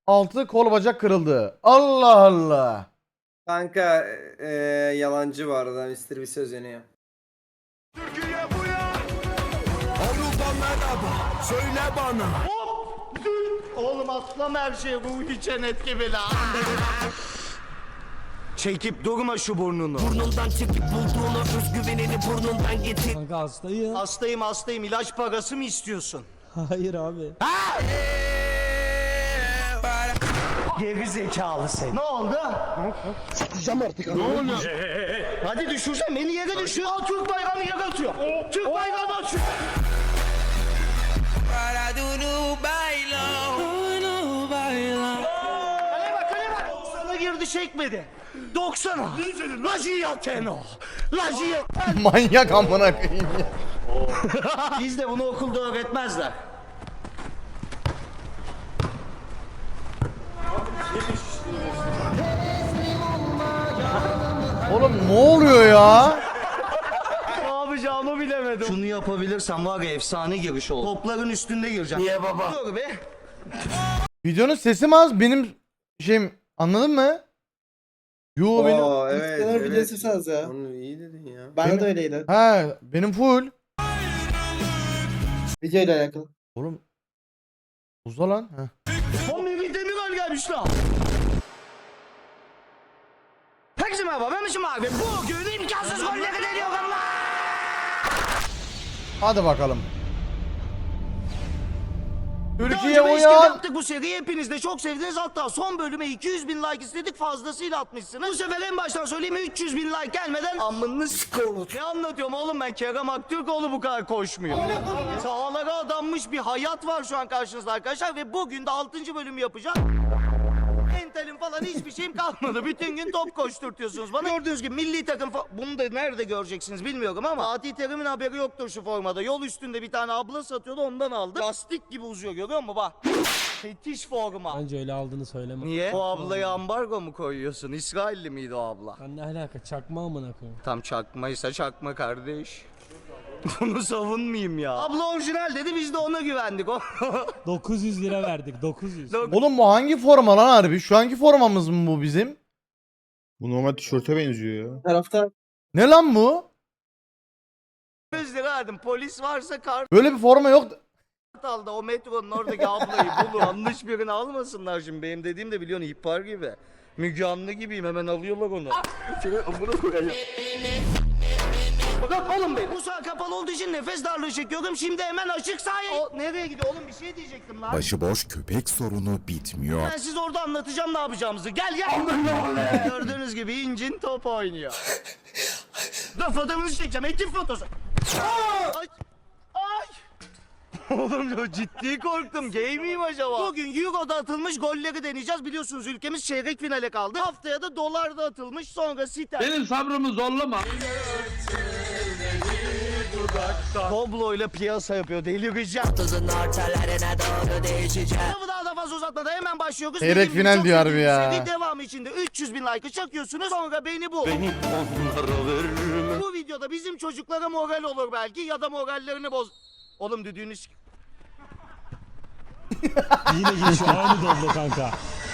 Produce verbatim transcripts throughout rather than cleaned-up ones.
altı kol bacak kırıldı. Allah Allah. Kanka e, yalancı var adam mister bir söz özeniyor. Türkiye bu ya. Avrupa merhaba. Söyle bana. Hop. Oğlum atlama her şey Ruhi Çenet gibi la. Çekip durma şu burnunu. Burnundan çekip bulduğunu özgüvenini burnundan getir. Kanka hastayım. Hastayım hastayım ilaç parası mı istiyorsun? Hayır abi. Geri zekalı sen. Ne oldu? Sıkacağım artık. Ne oldu? Hadi düşürsen beni yere düşür. Al Türk bayrağını yere atıyor. Türk bayrağını atıyor. Kaleye bak kaleye bak. Sana girdi çekmedi. doksana. La Giyateno. La Giyateno. Manyak amına koyayım ya. Bizde bunu okulda öğretmezler. Oğlum ne oluyor ya? Ne yapacağımı bilemedim. Şunu yapabilirsem var ya efsane giriş olur. Topların üstünde gireceğim. Niye baba? Dur be. Videonun sesi mi az benim şeyim anladın mı? Yo benim. Oo evet. Kadar evet. videosu saz ya. Onu iyi dedin ya. Bende Benim- de öyleydi. Ha benim full. Video ile alakalı. Oğlum. Uza lan. Heh. Son bir Demirel gelmiş lan. Herkese merhaba ben Mişim abi. Bugün imkansız golleri deniyorum Allah. Hadi bakalım. Daha Türkiye önce beş kere uyan. yaptık bu seriyi hepiniz de çok sevdiniz hatta son bölüme iki yüz bin like istedik fazlasıyla atmışsınız. Bu sefer en baştan söyleyeyim üç yüz bin like gelmeden amını sıkılır. Ne anlatıyorum oğlum ben Kerem Aktürkoğlu bu kadar koşmuyor. Sağlara adanmış bir hayat var şu an karşınızda arkadaşlar ve bugün de altıncı bölümü yapacağım. Mentalim falan hiçbir şeyim kalmadı. Bütün gün top koşturtuyorsunuz bana. Gördüğünüz gibi milli takım fa- bunu da nerede göreceksiniz bilmiyorum ama Fatih Terim'in haberi yoktur şu formada. Yol üstünde bir tane abla satıyordu ondan aldı. Lastik gibi uzuyor görüyor musun bak. Fetiş forma. Bence öyle aldığını söyleme. Niye? O ablaya ambargo mu koyuyorsun? İsrailli miydi o abla? Lan ne alaka, çakma amına koyayım. Tam çakmaysa çakma kardeş. Bunu savunmayayım ya. Abla orijinal dedi biz de ona güvendik. dokuz yüz lira verdik, dokuz yüz. Oğlum bu hangi forma lan harbi? Şu anki formamız mı bu bizim? Bu normal tişörte benziyor ya. Tarafta Ne lan bu? yüz lira verdim. Polis varsa kart Böyle bir forma yok. aldı. O metronun oradaki ablayı bulur. Yanlış birini almasınlar şimdi. Benim dediğim de biliyorsun ihbar gibi. Müge Anlı gibiyim hemen alıyorlar onu. Şöyle amına koyayım. Bak oğlum benim. Bu sağ kapalı olduğu için nefes darlığı çekiyorum. Şimdi hemen açık sahaya. O nereye gidiyor oğlum bir şey diyecektim lan. Başıboş köpek sorunu bitmiyor. Ben size orada anlatacağım ne yapacağımızı. Gel gel. Gördüğünüz gibi incin top oynuyor. Dur fotoğrafını çekeceğim. Ekip fotosu. Ay. Ay. Oğlum ya ciddi korktum. Gay miyim acaba? Bugün Euro'da atılmış golleri deneyeceğiz. Biliyorsunuz ülkemiz çeyrek finale kaldı. Haftaya da dolarda atılmış. Sonra site. Benim sabrımı zorlama. Doblo ile piyasa yapıyor. Delireceğim. Tuzun ortalarına doğru değişeceğim. Lafı daha da fazla uzatmadan hemen başlıyoruz. Çeyrek Dediğim gibi final çok diyor harbi ciddi bir ya. seri. Devamı için de üç yüz bin like'ı çakıyorsunuz. Sonra beni bul. Beni onlara veririm. Bu videoda bizim çocuklara moral olur belki ya da morallerini boz. Oğlum düdüğünü s- Yine geçiyor, aynı doblo kanka.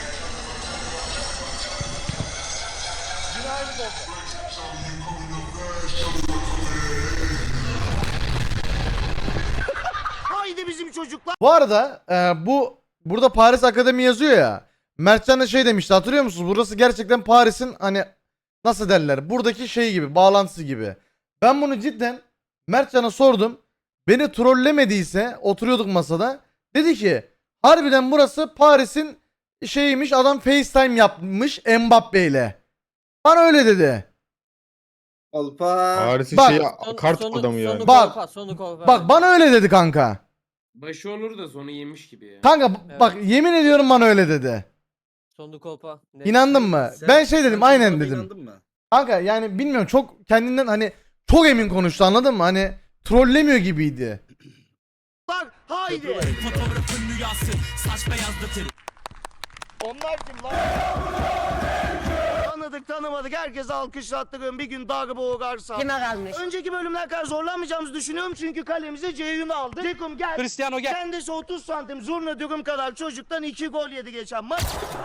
Haydi bizim çocuklar. Bu arada e, bu burada Paris Akademi yazıyor ya. Mertcan da şey demişti hatırlıyor musunuz? Burası gerçekten Paris'in hani nasıl derler? Buradaki şey gibi, bağlantısı gibi. Ben bunu cidden Mertcan'a sordum. Beni trollemediyse oturuyorduk masada. Dedi ki harbiden burası Paris'in şeyiymiş, adam FaceTime yapmış Mbappe ile. Bana öyle dedi. Alpa. Paris'in Bak. şeyi kart adamı yani. Bak. Bak bana öyle dedi kanka. Başı olur da sonu yemiş gibi ya. Kanka bak yemin ediyorum bana öyle dedi. Sonu kolpa. İnandın mı? Ben şey dedim aynen dedim. Kanka yani bilmiyorum çok kendinden hani çok emin konuştu anladın mı? Hani trollemiyor gibiydi. Haydi. Fotoğrafın rüyası, saç beyazlatır. Onlar kim lan? Lan Tanıdık tanımadık herkese alkışlattırıyorum. Bir gün darbe uğrarsam. Kime kalmış? Önceki bölümler kadar zorlanmayacağımızı düşünüyorum çünkü kalemize Ceyhun'u aldık. Cekum gel. Cristiano gel. Kendisi otuz santim zurna dürüm kadar çocuktan iki gol yedi geçen maç.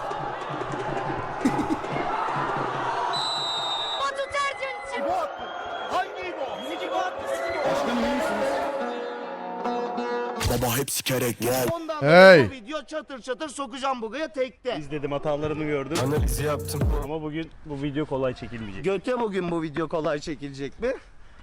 Batu Tercih. Bu attı. Hangi bu? İki gol attı. Baba hep sikerek gel. Ondan Hey. hey. Bu video çatır çatır sokacağım buraya tekte. İzledim, hatalarımı gördüm. Analizi yaptım. Ama bugün bu video kolay çekilmeyecek. Göte bugün bu video kolay çekilecek mi?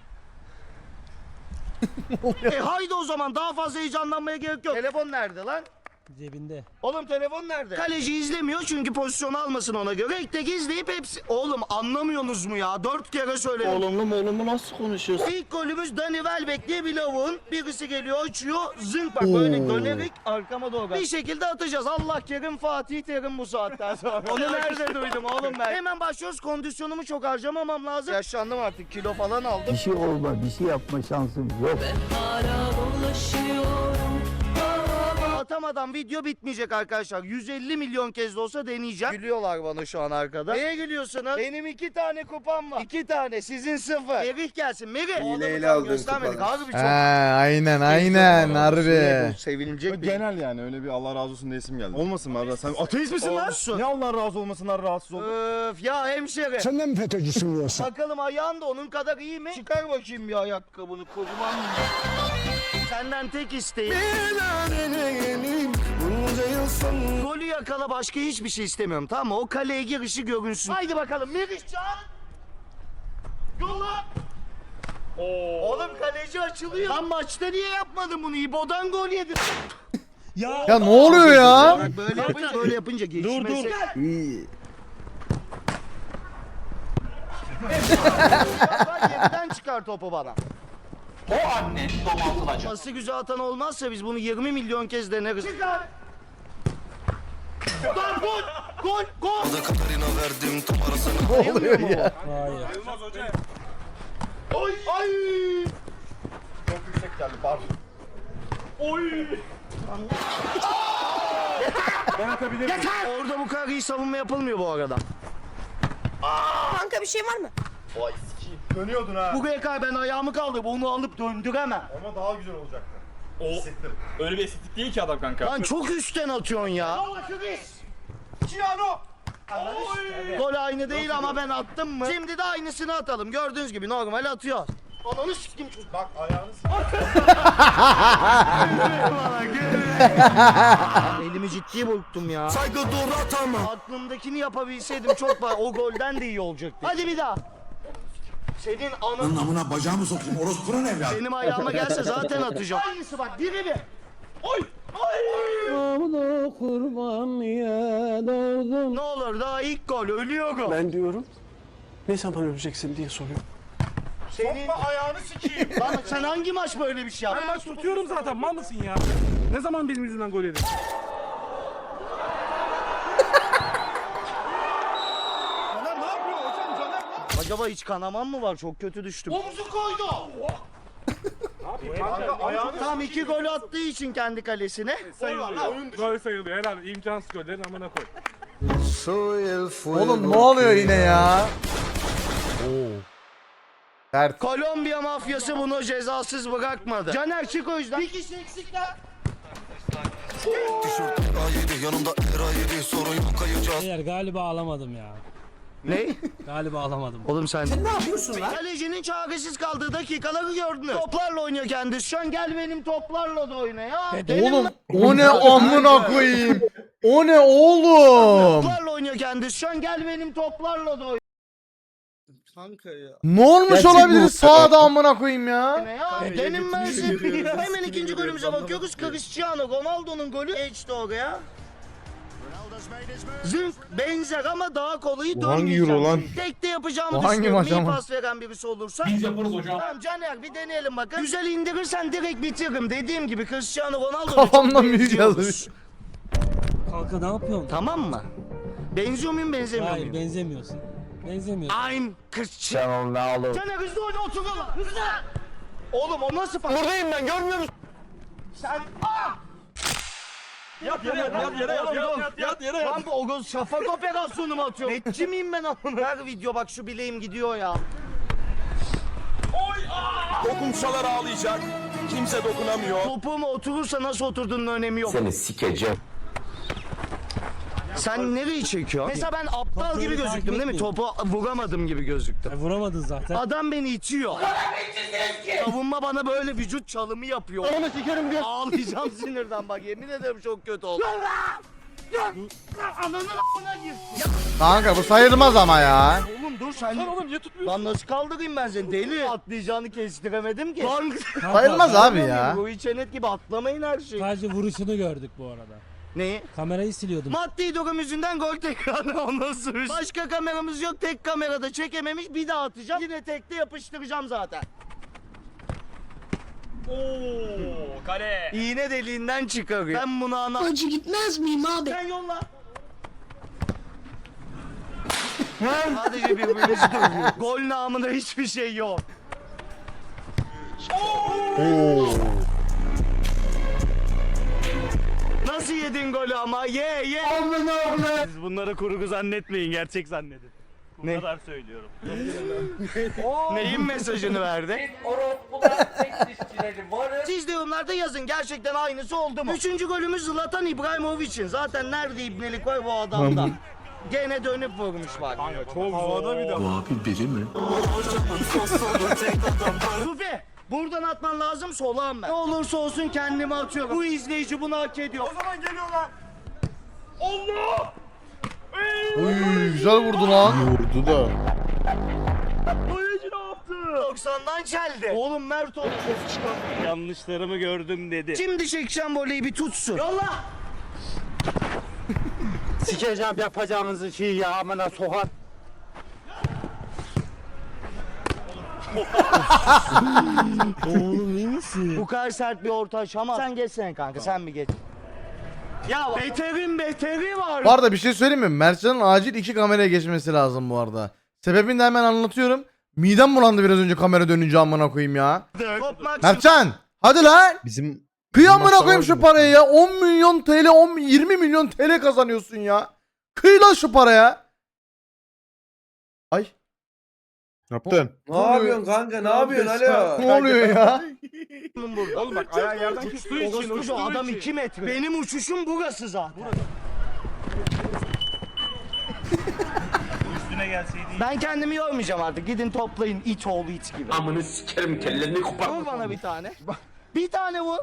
e haydi o zaman daha fazla heyecanlanmaya gerek yok. Telefon nerede lan? Cebinde. Oğlum telefon nerede? Kaleci izlemiyor çünkü pozisyon almasın ona göre. Tek tek izleyip hepsi... Oğlum anlamıyorsunuz mu ya? Dört kere söyledim. Oğlumlu mu oğlumlu nasıl konuşuyorsun? İlk golümüz Dani Welbeck diye bir lavuğun. Birisi geliyor açıyor. Zınk bak böyle dönerek arkama doğru. Bir şekilde atacağız. Allah kerim Fatih Terim bu saatten sonra. Onu nerede duydum oğlum ben? Hemen başlıyoruz. Kondisyonumu çok harcamamam lazım. Yaşlandım artık. Kilo falan aldım. şey olma, bir şey yapma şansım yok. Atamadan video bitmeyecek arkadaşlar. yüz elli milyon kez de olsa deneyeceğim. Gülüyorlar bana şu an arkada. Neye gülüyorsunuz? Benim iki tane kupam var. İki tane sizin sıfır. Merih gelsin. Merih. Hileyle Oğlum, aldığın göstermedik. kupalar. Harbi He, çok. aynen aynen harbi. Sevilecek bir Genel yani öyle bir Allah razı olsun diyesim geldi. Olmasın mı Arda? Sen ateist misin lan? Olsun. Ne Allah razı olmasınlar rahatsız ol. Öf ya hemşire. Sen de mi FETÖ'cüsün yoksa? Bakalım ayağın da onun kadar iyi mi? Çıkar bakayım bir ayakkabını kocaman. Senden tek isteğim. Golü yakala, başka hiçbir şey istemiyorum, tamam mı? O kaleye girişi görünsün. Haydi bakalım Meriçcan. Yolla. Oğlum kaleci açılıyor. Lan maçta niye yapmadın bunu? İbo'dan gol yedin. Ya. Ya ne oluyor ya? Bak böyle yapınca böyle yapınca geçmesi. dur. Bak yerden çıkar topu bana. O anne domaltılacak. Pası güzel atan olmazsa biz bunu yirmi milyon kez deneriz. Çıkar. Lan gol! Gol! Gol! Ne oluyor ya? Hayır. Oy! Ay! Çok yüksek geldi pardon. Oy! Ben atabilirim. Yeter! Orada bu kadar iyi savunma yapılmıyor bu arada. Kanka bir şey var mı? Vay sikiyim. Dönüyordun ha. Buraya kadar ben ayağımı kaldırıp onu alıp döndüremem. Ama daha güzel olacaktı. O öyle bir estetik değil ki adam kanka. Lan çok üstten atıyorsun ya. Ciano. Gol aynı değil ama ben attım mı? Şimdi de aynısını atalım. Gördüğünüz gibi normal atıyor. Ananı sikim. Bak ayağını Elimi ciddi burktum ya. Saygı dur atama. Aklımdakini yapabilseydim çok var. O golden de iyi olacaktı. Hadi bir daha. Senin anın... Namına bacağımı sokayım orospunun evladı. Benim ayağıma gelse zaten atacağım. Aynısı bak biri bir. Oy! Oy! Ne olur daha ilk gol ölüyorum. Ben diyorum, ne zaman öleceksin diye soruyorum. Senin ayağını sikeyim. lan sen hangi maç böyle bir şey yaptın? Ben maç tutuyorum zaten, mal mısın ya? Ne zaman benim yüzümden gol yedin? Caner ne yapıyor hocam Caner? Acaba hiç kanamam mı var? Çok kötü düştüm. Omuzu koydu. Kanka ayağını Tam iki gol attığı için kendi kalesine. Sayılıyor. Gol sayılıyor herhalde. İmkansız gollerin amına koy. Oğlum ne oluyor yine ya? Oo. Sert. Kolombiya mafyası bunu cezasız bırakmadı. Caner çık o yüzden. Bir kişi eksikler. Beyler galiba alamadım ya. Ne? Galiba alamadım. Oğlum sen... Sen ne yapıyorsun lan? Kalecinin çaresiz kaldığı dakikaları gördünüz. Toplarla oynuyor kendisi. Şu an gel benim toplarla da oyna ya. Benim Oğlum o ne amına koyayım? O ne oğlum? toplarla oynuyor kendisi. Şu an gel benim toplarla da oyna Kanka ya. Ne olmuş olabilir sağda amına koyayım ya? ya. Benim ben size- Hemen ikinci golümüze bakıyoruz. Cristiano Ronaldo'nun golü geçti oraya. Zınk benzer ama daha kolayı Bu hangi dönmeyeceğim. euro lan? Tek de yapacağımı Bu hangi düşünüyorum. maç İyi ama? pas veren birisi olursa. Biz yaparız hocam. Tamam Caner bir deneyelim bakın. Güzel indirirsen direkt bitiririm. Dediğim gibi Cristiano Ronaldo'ya Kafamdan çok müzik benziyoruz. yazmış. Kanka ne yapıyorsun? Tamam mı? Benziyor muyum benzemiyor Hayır muyum? benzemiyorsun. Benzemiyorsun. I'm Cristiano. Caner hızlı oyna otur oğlum. Hızlı. Oğlum o nasıl pas? Buradayım ben görmüyor musun? Sen... Ah! Yat yere yat yat yere yat yat yat yat yere yat. Lan bu Ogoz şafak operasyonu mu atıyor? Netçi miyim ben amına? Her video bak şu bileğim gidiyor ya. Dokunsalar ağlayacak. Kimse dokunamıyor. Topuğuma oturursa nasıl oturduğunun önemi yok. Seni sikeceğim. Sen nereyi çekiyorsun? Mesela ben aptal Topu gibi takip gözüktüm değil mi? etmeyin. Topu vuramadım gibi gözüktüm. E, vuramadın zaten. Adam beni itiyor. Savunma bana böyle vücut çalımı yapıyor. Onu sikerim diyor. Ağlayacağım sinirden bak yemin ederim çok kötü oldu. Ananın a**ına gir. Kanka bu sayılmaz ama ya. Oğlum dur sen. Lan oğlum niye tutmuyorsun? Lan nasıl kaldırayım ben seni deli? Atlayacağını kestiremedim ki. Lan Kanka, Sayılmaz abi ya. bu içenet gibi atlamayın her şeyi. Sadece vuruşunu gördük bu arada. Neyi? Kamerayı siliyordum. Maddi durum yüzünden gol tekrarı ondan sonra. Başka kameramız yok. Tek kamerada çekememiş. Bir daha atacağım. Yine tekte yapıştıracağım zaten. Oo kale. İğne deliğinden çıkarıyor. Ben bunu ana... Acı gitmez miyim abi? Sen yolla. Sadece birbirimizi dövüyor. Gol namında hiçbir şey yok. Nasıl yedin golü ama? Ye ye. Siz bunları kurgu zannetmeyin, gerçek zannedin. Bu Ne? kadar söylüyorum. Neyin mesajını verdi? Siz de yorumlarda yazın gerçekten aynısı oldu mu? Üçüncü golümüz Zlatan İbrahimovic'in. Zaten nerede ibnelik var bu adamda? Gene dönüp vurmuş bak. Çok havada bir de. Bu abi biri mi? Rufi buradan atman lazım solağım ben. Ne olursa olsun kendimi atıyorum. Bu izleyici bunu hak ediyor. O zaman geliyorlar. Allah! Uy güzel vurdu lan. Vurdu da. Oyuncu ne yaptı? doksandan çeldi. Oğlum Mert oldu. Yanlışlarımı gördüm dedi. Şimdi çekeceğim voleyi bir tutsun. Yolla. Sikeceğim yapacağınızı şey ya amına sokar. Oğlum iyi misin? Bu kadar sert bir orta aşamaz. Sen geçsene kanka sen bir geç. Ya beterin beteri var. Bu arada bir şey söyleyeyim mi? Mertcan'ın acil iki kameraya geçmesi lazım bu arada. Sebebini de hemen anlatıyorum. Midem bulandı biraz önce kamera dönünce amına koyayım ya. Kopmak Mertcan hadi lan. Bizim Kıy amına koyayım şu parayı ya. on milyon T L, on yirmi milyon T L kazanıyorsun ya. Kıy lan şu paraya. Ay. ne yaptın? Ne yapıyorsun kanka? Ne yapıyorsun alo? Ne oluyor ya? burada. Oğlum bak ayağı yerden kestiği için, Orospu uçtuğu bu adam için. iki metre. Benim uçuşum burası zaten. Üstüne gelseydi. Ben kendimi yormayacağım artık. Gidin toplayın it oğlu it gibi. Amını sikerim kellerini kopar. Vur bana bir tane. Bir tane vur.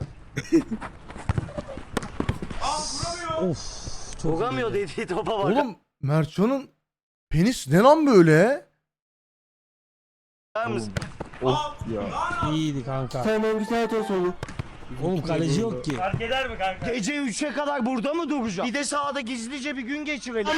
Of. Çok Vuramıyor iyiydi. dediği topa bak. Oğlum Mertcan'ın penis ne lan böyle? Bakar mısın? İyiydi kanka. Tamam güzel toz oldu. Oğlum kaleci yok ki. Fark eder mi kanka? Gece üçe kadar burada mı duracağım? Bir de sahada gizlice bir gün geçirelim.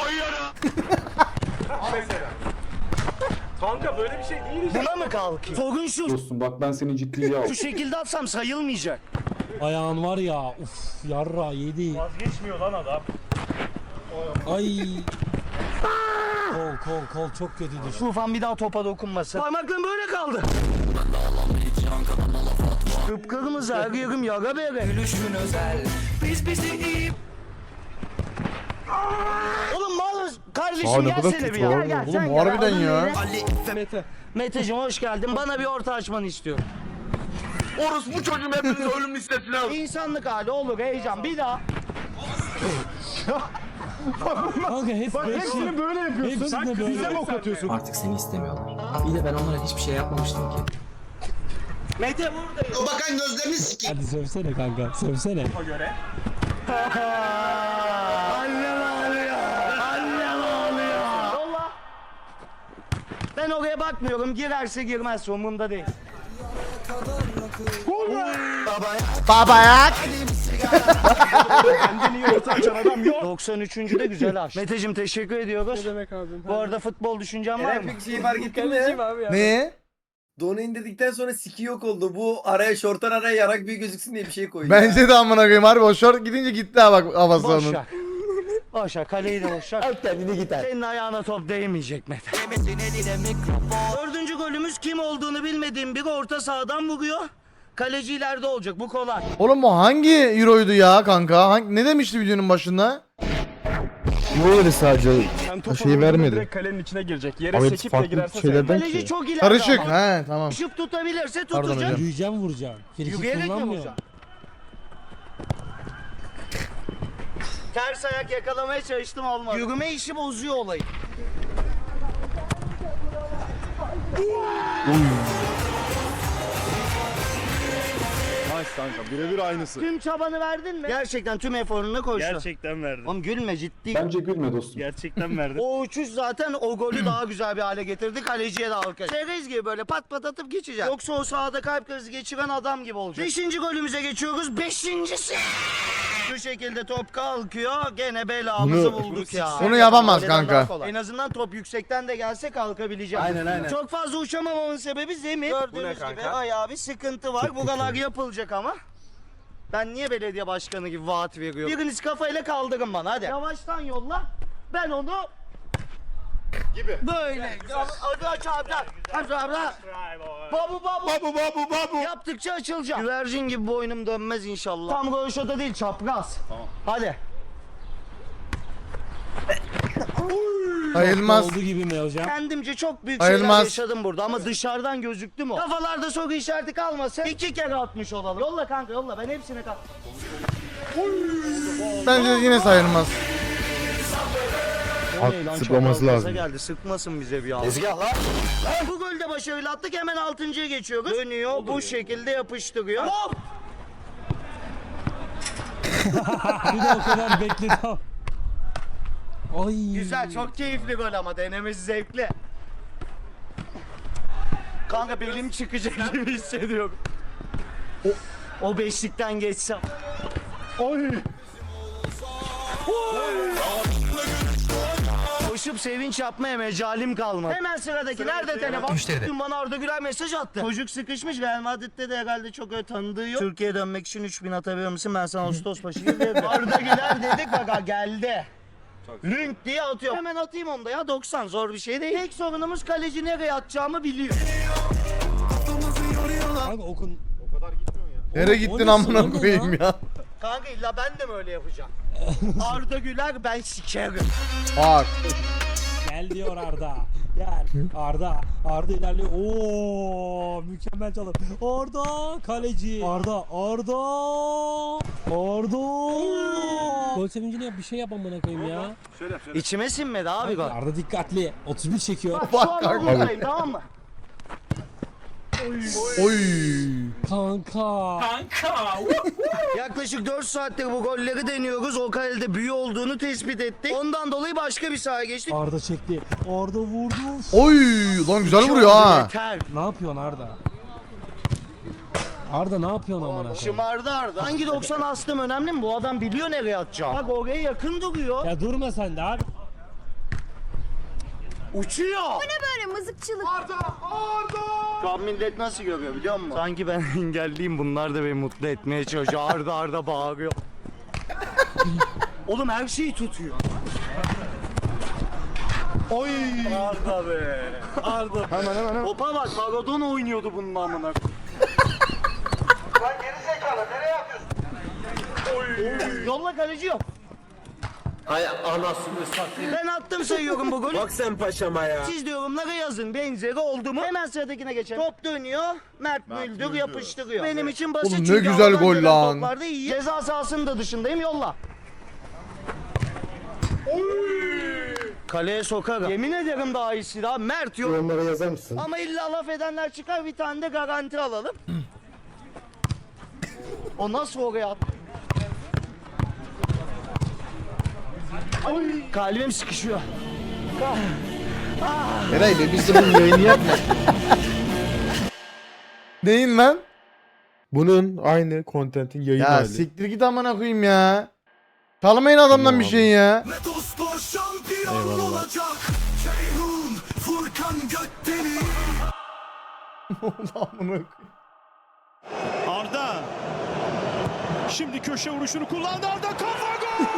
Kanka böyle bir şey değil işte. Buna mı kalkayım? Sorun şu. Dostum bak ben seni ciddiye al. Şu şekilde atsam sayılmayacak. Ayağın var ya. Uf yarra yedi. Vazgeçmiyor lan adam. Ay. Kol kol kol çok kötü düştü. Tufan bir daha topa dokunmasın. Parmaklarım böyle kaldı. Kıpkırmızı her yerim yara bere. Gülüşün özel. Biz bizi iyi. Oğlum mal kardeşim Aa, ne kadar gelsene bir kötü ya. lan. Gel, gel, Oğlum, sen gel. harbiden Adın ya. neydi? Mete. Meteciğim hoş geldin. Bana bir orta açmanı istiyorum. Orospu çocuğum hepiniz ölüm listesine al. İnsanlık hali olur heyecan. Bir daha. Kanka hep hepsini böyle yapıyorsun. hepsini böyle. Bize mi ok atıyorsun? Artık seni istemiyorlar. İyi de ben onlara hiçbir şey yapmamıştım ki. Mete buradayım. O bakan gözlerini sikeyim. Hadi sövsene kanka sövsene. O göre. Annem ağlıyor. Annem ağlıyor. Yolla. Ben oraya bakmıyorum. Girerse girmezse umurumda değil. Babayak. Kendini iyi orta açan adam yok. doksan üçüncü de güzel aç. Meteciğim teşekkür ediyoruz. Ne demek abi? Bu arada futbol düşüncen var mı? Eren bir şeyi fark ettin mi? Ne? Donu indirdikten sonra siki yok oldu. Bu araya şortan araya yarak büyük gözüksün diye bir şey koydu. Bence de amına koyayım harbi o şort gidince gitti ha bak havası onun. Boşak. Boşak. Kaleyi de boşak. Al kendini gider. Senin ayağına top değmeyecek Mete. Dördüncü golümüz kim olduğunu bilmediğim biri orta sahadan vuruyor. Kaleci ileride olacak, bu kolay. Oğlum bu hangi euroydu ya kanka? Hangi, ne demişti videonun başında? Böyle sadece Sen top şeyi alındığında vermedi. direkt kalenin içine girecek. Yere Abi sekip de farklı girerse şeylerden Kaleci ki. çok ileride Karışık. ama. He tamam. Şıp tutabilirse Pardon tutacak. hocam. Yürüyeceğim vuracağım. Frikik Yürüyerek mi kullanmıyor. vuracaksın? Ters ayak yakalamaya çalıştım, olmadı. Yürüme işi bozuyor olayı. Nice kanka birebir aynısı. Tüm çabanı verdin mi? Gerçekten tüm eforunu koştun. Gerçekten verdim. Oğlum gülme, ciddi. Bence gülme dostum. Gerçekten verdim. O uçuş zaten o golü daha güzel bir hale getirdi. Kaleciye de alkış. Çerez gibi böyle pat pat atıp geçeceğim. Yoksa o sahada kalp krizi geçiren adam gibi olacak. Beşinci golümüze geçiyoruz. Beşincisi. Bu şekilde top kalkıyor. Gene belamızı Bunu- bulduk ya. Bunu yapamaz Kaleden kanka. daha kolay. En azından top yüksekten de gelse kalkabileceğim. Aynen, aynen. Çok fazla uçamamamın sebebi zemin. Gördüğünüz gibi ayağı bir sıkıntı var. Buralar yapılacak ama. Ben niye belediye başkanı gibi vaat veriyorum? Biriniz kafayla kaldırın bana hadi. Yavaştan yolla. Ben onu gibi. Böyle. Hadi aç abi. Aç abi. Babu babu. Babu babu babu. Yaptıkça açılacak. Güvercin gibi boynum dönmez inşallah. Tam röveşata değil, çapraz. Tamam. Hadi. Sayılmaz. Oldu gibi mi hocam? Kendimce çok büyük şeyler Sayılmaz. yaşadım burada ama dışarıdan gözüktü mü o? Kafalarda soru işareti kalmasın. İki kere atmış olalım. Yolla kanka yolla, ben hepsine kal. Bence yine sayılmaz. O ne lan, At çok sıklaması gaza lazım. geldi, sıkmasın bize bir an. Tezgah lan. Bu golde başarıyla attık, hemen altıncıya geçiyoruz. Dönüyor, bu şekilde yapıştırıyor. Hop! Bir de o kadar bekledim. Ay. Güzel, çok keyifli gol ama denemesi zevkli. Kanka belim çıkacak gibi hissediyorum. O, o beşlikten geçsem. Oy. Koşup sevinç yapmaya mecalim kalmadı. Hemen sıradaki nerede telefon? Müşteride. Dün bana Arda Güler mesaj attı. Çocuk sıkışmış, Real Madrid'de de herhalde çok öyle tanıdığı yok. Türkiye'ye dönmek için üç bin atabilir misin? Ben sana Ağustos başı gibi dedim. Arda Güler dedik, bak geldi. Link diye atıyor. Hemen atayım onu da ya, doksan zor bir şey değil. Tek sorunumuz kaleci nereye atacağımı biliyor. Kanka okun. Nereye O gittin ne amına sana koyayım ya? ya? Kanka illa ben de mi öyle yapacağım? Arda Güler ben sikerim. Bak. Gel diyor Arda. Gel. Arda. Arda ilerliyor. Oo, mükemmel çalım. Arda kaleci. Arda. Arda. Arda. Gol sevincini yap, bir şey yap amına koyayım ya. Şöyle yap şöyle. İçime sinmedi abi gol. Arda dikkatli. otuz bir çekiyor. Bak şu an buradayım, tamam mı? Oy. Kanka. Yaklaşık dört saattir bu golleri deniyoruz. O kalede büyü olduğunu tespit ettik. Ondan dolayı başka bir sahaya geçtik. Arda çekti. Arda vurdu. Oy. Lan güzel vuruyor ha. Yeter. Ne yapıyorsun Arda? Arda ne yapıyorsun amına koyayım? Şımardı Arda. Hangi doksan astım önemli mi? Bu adam biliyor nereye atacağım. Bak oraya yakın duruyor. Ya durma sen de abi. Uçuyor. Böyle mızıkçılık. Şu an millet nasıl görüyor biliyor musun? Sanki ben engelliyim, bunlar da beni mutlu etmeye çalışıyor. Arda Arda bağırıyor. Oğlum her şeyi tutuyor. Oy! Arda be. Arda. Hemen hemen hemen. Topa bak, Maradona oynuyordu bunun amına. Lan geri zekalı, nereye atıyorsun? Oy! Yolla, kaleci yok. Hay anasını satayım. Ben attım sayıyorum bu golü. Bak sen paşama ya. Siz de yorumlara yazın, benzeri oldu mu? Hemen sıradakine geçelim. Top dönüyor, Mert, Mert Müldür Müldür. yapıştırıyor. Benim için basit Oğlum ne çünkü güzel havadan gol gelen lan. toplarda iyi. Ceza sahasının da dışındayım, yolla. Kaleye sokarım. Yemin ederim daha iyisi daha. Mert yok. Yorumlara yazar mısın? Ama illa laf edenler çıkar, bir tane de garanti alalım. O nasıl oraya at? Oy. Kalbim sıkışıyor. Eray be biz de bunun yayını yapma. Neyin lan? Bunun aynı kontentin yayın Ya hali. siktir git amına koyayım ya. Çalmayın adamdan Tamam bir abi. şey ya. Eyvallah. Amına koyayım. Arda. Şimdi köşe vuruşunu kullandı. Arda kafa gol.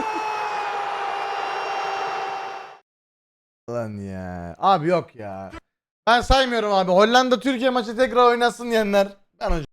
Lan ya. Abi yok ya. Ben saymıyorum abi. Hollanda Türkiye maçı tekrar oynasın diyenler. Ben hocam.